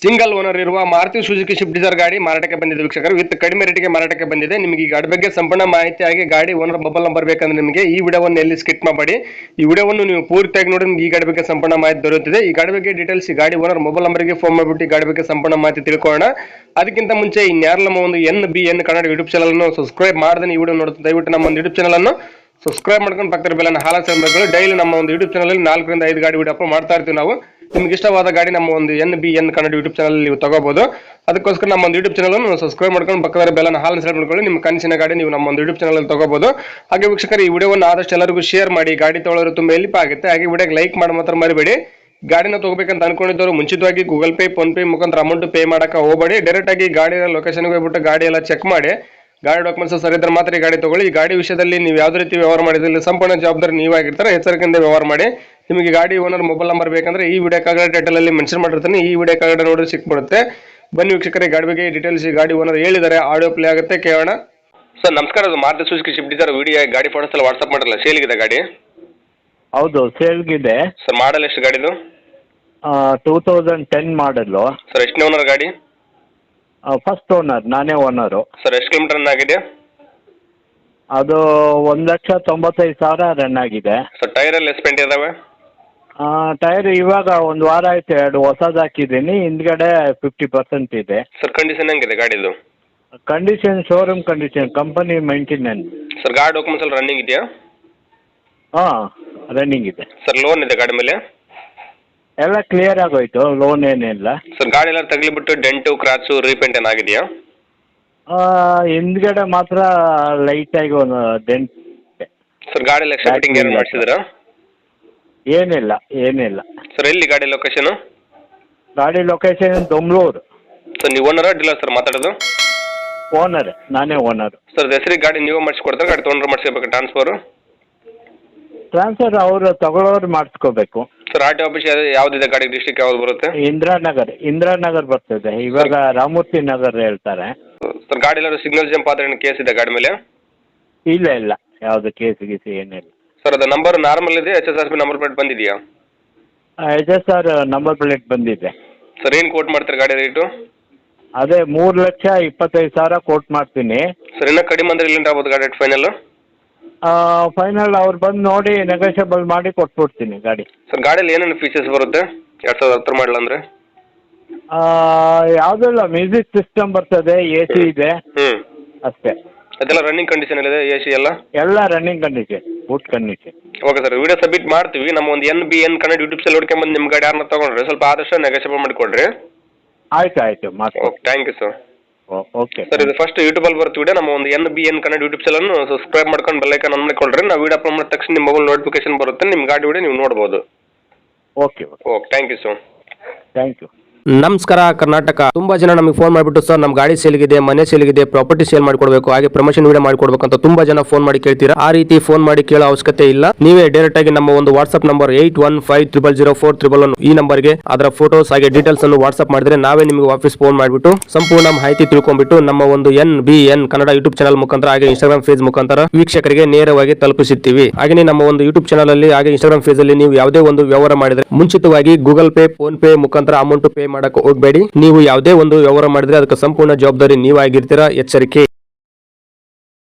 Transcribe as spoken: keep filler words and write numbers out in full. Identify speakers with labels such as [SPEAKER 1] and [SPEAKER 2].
[SPEAKER 1] Single owner ಇರುವ Maruti Suzuki Swift desire ಗಾಡಿ ಮಾರಾಟಕ್ಕೆ ಬಂದಿದೆ ವೀಕ್ಷಕರು. ವಿತ್ ಕಡಿಮೆ ರೇಟಿಗೆ ಮಾರಾಟಕ್ಕೆ ಬಂದಿದೆ. ನಿಮಗೆ ಈ ಗಾಡಿ ಬಗ್ಗೆ ಸಂಪೂರ್ಣ ಮಾಹಿತಿ ಆಗಿ ಗಾಡಿ ಓನರ್ ಮೊಬೈಲ್ ನಂಬರ್ ಬೇಕಂದ್ರೆ ನಿಮಗೆ ಈ ವಿಡಿಯೋವನ್ನು ಎಲ್ಲಿ ಸ್ಕಿಪ್ ಮಾಡಬೇಡಿ. ಈ ವಿಡಿಯೋವನ್ನು ನೀವು ಪೂರ್ತಿಯಾಗಿ ನೋಡಿ ನಿಮಗೆ ಈ ಗಾಡಿ ಬಗ್ಗೆ ಸಂಪೂರ್ಣ ಮಾಹಿತಿ ದೊರೆಯುತ್ತದೆ. ಈ ಗಾಡಿ ಬಗ್ಗೆ ಡೀಟೇಲ್ಸ್ ಈ ಗಾಡಿ ಓನರ್ ಮೊಬೈಲ್ ನಂಬರ್ಗೆ ಫೋನ್ ಮಾಡಿಬಿಟ್ಟು ಈ ಗಾಡಿ ಬಗ್ಗೆ ಸಂಪೂರ್ಣ ಮಾಹಿತಿ ತಿಳ್ಕೊಳ್ಳೋಣ. ಅದಕ್ಕಿಂತ ಮುಂಚೆ ಇನ್ಯಾರು ನಮ್ಮ ಒಂದು N B N Kannada YouTube channel ಅನ್ನು ಸಬ್ಸ್ಕ್ರೈಬ್ ಮಾಡದೆ ಈ ವಿಡಿಯೋ ನೋಡುತ್ತೆ ದಯವಿಟ್ಟು ನಮ್ಮ ಒಂದು ಯೂಟ್ಯೂಬ್ ಚಾನಲ್ ಅನ್ನು ಸಬ್ಸ್ಕ್ರೈಬ್ ಮಾಡ್ಕೊಂಡು ಪಕ್ಕದ ಬೆಲ್ಲನ್ನು ಹಾಲ ಸೆಂಬರ್ಗಳು ಡೈಲಿ ನಮ್ಮ ಒಂದು ಯೂಟ್ಯೂಬ್ ಚಾನಲ್ ಅಲ್ಲಿ ನಾಲ್ಕರಿಂದ ಐದು ಗಾಡಿ ವಿಡಿಯೋ ಅಪ್ಲೋಡ್ ಮಾಡ್ತಾ ಇರ್ತೀವಿ ನಾವು. ನಿಮ್ಗೆ ಇಷ್ಟವಾದ ಗಾಡಿ ನಮ್ಮ ಒಂದು N B N Kannada YouTube channel ನೀವು ತಗೋಬಹುದು. ಅದಕ್ಕೋಸ್ಕರ ನಮ್ಮ ಒಂದು ಯೂಟ್ಯೂಬ್ ಚಾನಲ್ ಅನ್ನು ಸಬ್ಸ್ಕ್ರೈಬ್ ಮಾಡ್ಕೊಂಡು ಪಕ್ಕದ ಬೆಲ್ಲನ್ನು ಹಾಲ್ ಸೆಲೆಕ್ಟ್ ಮಾಡ್ಕೊಳ್ಳಿ. ನಿಮ್ಮ ಕನಸಿನ ಗಾಡಿ ನೀವು ನಮ್ಮ ಒಂದು ಯೂಟ್ಯೂಬ್ ಚಾನಲ್ ಅಲ್ಲಿ ತಗೋಬಹುದು. ಹಾಗೆ ವೀಕ್ಷಕರು ಈ ವಿಡಿಯೋವನ್ನು ಆದಷ್ಟು ಎಲ್ಲರಿಗೂ ಶೇರ್ ಮಾಡಿ. ಗಾಡಿ ತಗೊಳ್ಳೋರು ತುಂಬಾ ಹೆಲ್ಪ್ ಆಗುತ್ತೆ. ಹಾಗೆ ವಿಡಿಯೋಗೆ ಲೈಕ್ ಮಾಡಿ ಮಾತ್ರ ಮರಿಬೇಡಿ. ಗಾಡಿನ ತಗೋಬೇಕಂತ ಅನ್ಕೊಂಡಿದ್ದವರು ಮುಂಚಿತವಾಗಿ ಗೂಗಲ್ ಪೇ ಫೋನ್ ಪೇ ಮುಖಾಂತರ ಅಮೌಂಟ್ ಪೇ ಮಾಡಕ್ಕೆ ಹೋಗಬೇಡಿ. ಡೈರೆಕ್ಟ್ ಆಗಿ ಗಾಡಿಯ ಲೊಕೇಶನ್ಗೆ ಹೋಗ್ಬಿಟ್ಟು ಗಾಡಿ ಎಲ್ಲ ಚೆಕ್ ಮಾಡಿ ಗಾಡಿ ಡಾಕ್ಯುಮೆಂಟ್ಸ್ ಸರಿ ಇದ್ರೆ ಮಾತ್ರ ಈ ಗಾಡಿ ತಗೊಳ್ಳಿ. ಈ ಗಾಡಿ ವಿಷಯದಲ್ಲಿ ನೀವು ಯಾವುದೇ ರೀತಿ ವ್ಯವಹಾರ ಮಾಡಿದ್ರೆ ಸಂಪೂರ್ಣ ಜವಾಬ್ದಾರಿ ನೀವಾಗಿರ್ತಾರೆ. ಎಚ್ಚರಿಕೆಯಿಂದ ವ್ಯವಹಾರ ಮಾಡಿ. ನಿಮಗೆ ಗಾಡಿ ಓನರ್ ಮೊಬೈಲ್ ನಂಬರ್ ಬೇಕಂದ್ರೆ ಈ ವಿಡಿಯೋ ಕಾಗಡ ಟೈಟಲ್ ಅಲ್ಲಿ ಮೆನ್ಷನ್ ಮಾಡಿರ್ತಾನೆ. ಈ ವಿಡಿಯೋ ಕಾಗಡ ನೋಡಿ ಸಿಕ್ಬಿಡುತ್ತೆ. ಬನ್ನಿ ವೀಕ್ಷಕರೇ ಗಾಡಿ ಬಗ್ಗೆ ಡೀಟೇಲ್ಸ್ ಈ ಗಾಡಿ ಓನರ್ ಹೇಳಿದ್ದಾರೆ. ಆಡಿಯೋ ಪ್ಲೇ ಆಗುತ್ತೆ, ಕೇಳೋಣ. ಸರ್ ನಮಸ್ಕಾರ, ಅದು Maruti Suzuki Swift Dzire video ಗಾಡಿ ಫೋಟೋಸ್ ಎಲ್ಲ ವಾಟ್ಸ್ಆಪ್ ಮಾಡಲ್ಲ, ಸೇಲ್ಗಿದೆ ಗಾಡಿ?
[SPEAKER 2] ಹೌದು, ಸೇಲ್ಗಿದೆ
[SPEAKER 1] ಸರ್. ಮಾಡಲ್ ಎಷ್ಟು ಗಾಡಿದು?
[SPEAKER 2] Two thousand ten model.
[SPEAKER 1] Sir ಎಷ್ಟನೇ ಓನರ್ ಗಾಡಿ?
[SPEAKER 2] ಫಸ್ಟ್ ಓನರ್, ನಾನೇ ಓನರು.
[SPEAKER 1] ಸರ್ ಎಷ್ಟು ಕಿಲೋಮೀಟರ್ ರನ್ ಆಗಿದೆ?
[SPEAKER 2] ಅದು ಒಂದು ಲಕ್ಷ ತೊಂಬತ್ತೈದು ಸಾವಿರ ರನ್ ಆಗಿದೆ.
[SPEAKER 1] ಸರ್ ಟೈರ್ ಎಲ್ಲ ಎಸ್ಪೆಂಟ್ ಇದಾವೆ?
[SPEAKER 2] ಟೈರ್ ಇವಾಗ ಒಂದು ವಾರ ಆಯ್ತು, ಎರಡು ಹೊಸದು ಹಾಕಿದ್ದೀನಿ. ಹಿಂದ್ಗಡೆ ಫಿಫ್ಟಿ ಪರ್ಸೆಂಟ್ ಇದೆ.
[SPEAKER 1] ಸರ್ ಕಂಡೀಷನ್ ಹೆಂಗಿದೆ ಗಾಡಿದು?
[SPEAKER 2] Condition showroom condition, company maintenance.
[SPEAKER 1] Sir ಗಾಡಿ ಡಾಕ್ಯುಮೆಂಟ್ಸ್ ಎಲ್ಲ ರನ್ನಿಂಗ್ ಇದೆಯಾ?
[SPEAKER 2] ಹಾಂ, ರನ್ನಿಂಗ್ ಇದೆ.
[SPEAKER 1] ಸರ್ ಲೋನ್ ಇದೆ ಗಾಡಿ ಮೇಲೆ?
[SPEAKER 2] ಎಲ್ಲ ಕ್ಲಿಯರ್ ಆಗೋಯ್ತು, ಲೋನ್ ಏನಿಲ್ಲ.
[SPEAKER 1] ಸರ್ ಗಾಡಿ ಎಲ್ಲ ತಗಲಿಬಿಟ್ಟು ಡೆಂಟು ಕ್ರಾಚು ರೀಪೇಂಟ್ ಏನಾಗಿದೆಯಾ?
[SPEAKER 2] ಹಿಂದ್ಗಡೆ ಮಾತ್ರ ಲೈಟಾಗಿ ಒಂದು ಡೆಂಟ್.
[SPEAKER 1] ಸರ್ ಗಾಡಿ ಎಲ್ಲ ಎಕ್ಸ್ಟ್ರಾ ಫಿಟ್ಟಿಂಗ್ ಏನು ಮಾಡಿಸಿದ್ರಾ?
[SPEAKER 2] ಏನಿಲ್ಲ ಏನಿಲ್ಲ.
[SPEAKER 1] ಸರ್ ಎಲ್ಲಿ ಗಾಡಿ ಲೊಕೇಶನು?
[SPEAKER 2] ಗಾಡಿ ಲೊಕೇಶನ್ ದೊಮ್ಲೂರು.
[SPEAKER 1] ಸರ್ ನೀವು ಓನರಾ ಡೀಲರ್ ಸರ್ ಮಾತಾಡೋದು?
[SPEAKER 2] ಓನರ್, ನಾನೇ ಓನರ್.
[SPEAKER 1] ಸರ್ ಹೆಸರಿಗೆ ಗಾಡಿ ನೀವು ಮಾಡಿಸ್ಕೊಡ್ತಾರೆ, ಗಾಡಿ ತೊಗೊಂಡ್ರೆ ಮಾಡಿಸ್ಕೋಬೇಕು ಟ್ರಾನ್ಸ್ಫರು?
[SPEAKER 2] ಟ್ರಾನ್ಸ್ಫರ್ ಅವರು ತಗೊಳ್ಳೋರು ಮಾಡಿಸ್ಕೋಬೇಕು.
[SPEAKER 1] ಸರ್ ಆರ್ ಟಿ ಆಫೀಸ್ ಯಾವುದಿದೆ ಗಾಡಿ? ಡಿಸ್ಟ್ರಿಕ್ಟ್ ಯಾವ್ದು ಬರುತ್ತೆ?
[SPEAKER 2] ಇಂದಿರಾನಗರ್. ಇಂದಿರಾನಗರ್ ಬರ್ತದೆ, ಇವಾಗ ರಾಮೂರ್ತಿ ನಗರ್ ಹೇಳ್ತಾರೆ.
[SPEAKER 1] ಸರ್ ಗಾಡಿ ಎಲ್ಲ ಸಿಗ್ನಲ್ ಜಂಪ್ ಆದ್ರೆ ಕೇಸ್ ಇದೆ ಗಾಡಿ ಮೇಲೆ?
[SPEAKER 2] ಇಲ್ಲ ಇಲ್ಲ, ಯಾವುದು ಕೇಸ್ ಗೀಸ್ ಏನಿಲ್ಲ.
[SPEAKER 1] ಸರ್ ಅದು ನಂಬರ್ ನಾರ್ಮಲ್ ಇದೆ, H S R P number plate ಬಂದಿದೆಯಾ?
[SPEAKER 2] H S R number plate ಬಂದಿದೆ.
[SPEAKER 1] ಸರ್ ಏನು ಕೋಟ್ ಮಾಡ್ತಾರೆ ಗಾಡಿ ರೇಟು?
[SPEAKER 2] ಅದೇ ಮೂರು ಲಕ್ಷ ಇಪ್ಪತ್ತೈದು ಸಾವಿರ ಕೋಟ್ ಮಾಡ್ತೀನಿ. ಸರ್
[SPEAKER 1] ಇನ್ನೂ ಕಡಿಮೆ ಅಂದ್ರೆ ಇಲ್ಲಿಂದ ಆಗ್ಬೋದು ಗಾಡಿ ಫೈನಲ್?
[SPEAKER 2] ಫೈನಲ್ ಅವ್ರು ಬಂದು ನೋಡಿ ನೆಗೋಷಿಯಬಲ್ ಮಾಡಿ ಕೊಟ್ಬಿಡ್ತೀನಿ ಗಾಡಿ.
[SPEAKER 1] ಸರ್ ಗಾಡಿಯಲ್ಲಿ ಏನೇನು ಫೀಚರ್ಸ್ ಬರುತ್ತೆ ಎರಡು ಸಾವಿರದ ಹತ್ತರ ಮಾಡಲ್ ಅಂದರೆ?
[SPEAKER 2] ಯಾವುದಿಲ್ಲ, ಮ್ಯೂಸಿಕ್ ಸಿಸ್ಟಮ್ ಬರ್ತದೆ, ಎ ಸಿ ಇದೆ,
[SPEAKER 1] ಹ್ಞೂ
[SPEAKER 2] ಅಷ್ಟೇ.
[SPEAKER 1] ಅದೆಲ್ಲ ರನ್ನಿಂಗ್ ಕಂಡೀಷನ್ ಇದೆ, ಎ ಸಿ ಎಲ್ಲ?
[SPEAKER 2] ಎಲ್ಲ running condition, good condition.
[SPEAKER 1] Okay sir, video submit ಮಾಡ್ತೀವಿ. ನಮ್ಮ ಒಂದು N B N Kannada YouTube channel ಹುಡ್ಕೊಂಬಂದು ನಿಮ್ಮ ಗಾಡಿ ಯಾರನ್ನ ತೊಗೊಂಡ್ರೆ ಸ್ವಲ್ಪ ಆದಷ್ಟು ನೆಗೋಷಿಯಬಲ್ ಮಾಡಿಕೊಡ್ರಿ.
[SPEAKER 2] ಆಯ್ತು ಆಯಿತು, ಮಾಡಿ.
[SPEAKER 1] Okay, thank you sir.
[SPEAKER 2] Okay
[SPEAKER 1] sir, ಇದು ಫಸ್ಟ್ ಯೂಟ್ಯೂಬಲ್ಲಿ ಬರ್ತೀವಿ ವಿಡಿಯೋ. ನಮ್ಮ ಒಂದು N B N Kannada YouTube channel subscribe ಮಾಡ್ಕೊಂಡು ಬೆಲ್ ಐಕಾನ್ ಆನ್ ಮಾಡಿಕೊಳ್ರಿ. ನಾವು ವಿಡಿಯೋ ಅಪ್ಲೋಡ್ ಮಾಡಿದ ತಕ್ಷಣ ನಿಮ್ಮ ಮೊಬೈಲ್ ನೋಟಿಫಿಕೇಶನ್ ಬರುತ್ತೆ, ನಿಮ್ಮ ಗಾಡಿ ವಿಡಿಯೋ ನೀವು ನೋಡ್ಬೋದು.
[SPEAKER 2] Okay
[SPEAKER 1] okay, thank you sir.
[SPEAKER 2] Thank you.
[SPEAKER 3] ನಮಸ್ಕಾರ ಕರ್ನಾಟಕ. ತುಂಬಾ ಜನ ನಮಗೆ ಫೋನ್ ಮಾಡಿಬಿಟ್ಟು ಸರ್ ನಮ್ಮ ಗಾಡಿ ಸೇಲ್ಗಿದೆ, ಮನೆ ಸೇಲ್ಗಿದೆ, ಪ್ರಾಪರ್ಟಿ ಸೇಲ್ ಮಾಡ್ಕೊಡ್ಬೇಕು, ಹಾಗೆ ಪ್ರಮೋಷನ್ ವಿಡಿಯೋ ಮಾಡ್ಕೊಡ್ಬೇಕು ಅಂತ ತುಂಬಾ ಜನ ಫೋನ್ ಮಾಡಿ ಕೇಳ್ತೀರಾ. ಆ ರೀತಿ ಫೋನ್ ಮಾಡಿ ಕೇಳೋ ಅವಶ್ಯಕತೆ ಇಲ್ಲ. ನೀವೇ ಡೈರೆಕ್ಟ್ ಆಗಿ ನಮ್ಮ ಒಂದು WhatsApp number eight one five triple zero four triple one ಈ ನಂಬರ್ಗೆ ಅದರ ಫೋಟೋಸ್ ಹಾಗೆ ಡೀಟೇಲ್ಸ್ ಅನ್ನು ವಾಟ್ಸ್ಆಪ್ ಮಾಡಿದ್ರೆ ನಾವೇ ನಿಮಗೆ ವಾಪಸ್ ಫೋನ್ ಮಾಡಿಬಿಟ್ಟು ಸಂಪೂರ್ಣ ಮಾಹಿತಿ ತಿಳ್ಕೊಂಡ್ಬಿಟ್ಟು ನಮ್ಮ ಒಂದು N B N Kannada YouTube channel ಮುಖಾಂತರ ಹಾಗೆ ಇನ್ಸ್ಟಾಗ್ರಾಮ್ ಫೇಸ್ ಮುಖಾಂತರ ವೀಕ್ಷಕರಿಗೆ ನೇರವಾಗಿ ತಲುಪಿಸುತ್ತೀವಿ. ಹಾಗೆ ನಮ್ಮ ಒಂದು ಯೂಟ್ಯೂಬ್ ಚಾನಲ್ ಅಲ್ಲಿ ಹಾಗೆ ಇನ್ಸ್ಟಾಗ್ರಾಮ್ ಫೇಸ್ ಅಲ್ಲಿ ನೀವು ಯಾವುದೇ ಒಂದು ವ್ಯವಹಾರ ಮಾಡಿದ್ರೆ ಮುಂಚಿತವಾಗಿ ಗೂಗಲ್ ಪೇ ಫೋನ್ ಪೇ ಮುಖಾಂತರ ಅಮೌಂಟ್ ಪೇ ಮಾಡಕ್ಕೆ ಹೋಗಬೇಡಿ. ನೀವು ಯಾವುದೇ ಒಂದು ವ್ಯವಹಾರ ಮಾಡಿದ್ರೆ ಅದಕ್ಕೆ ಸಂಪೂರ್ಣ ಜವಾಬ್ದಾರಿ ನೀವಾಗಿರ್ತೀರಾ. ಎಚ್ಚರಿಕೆ.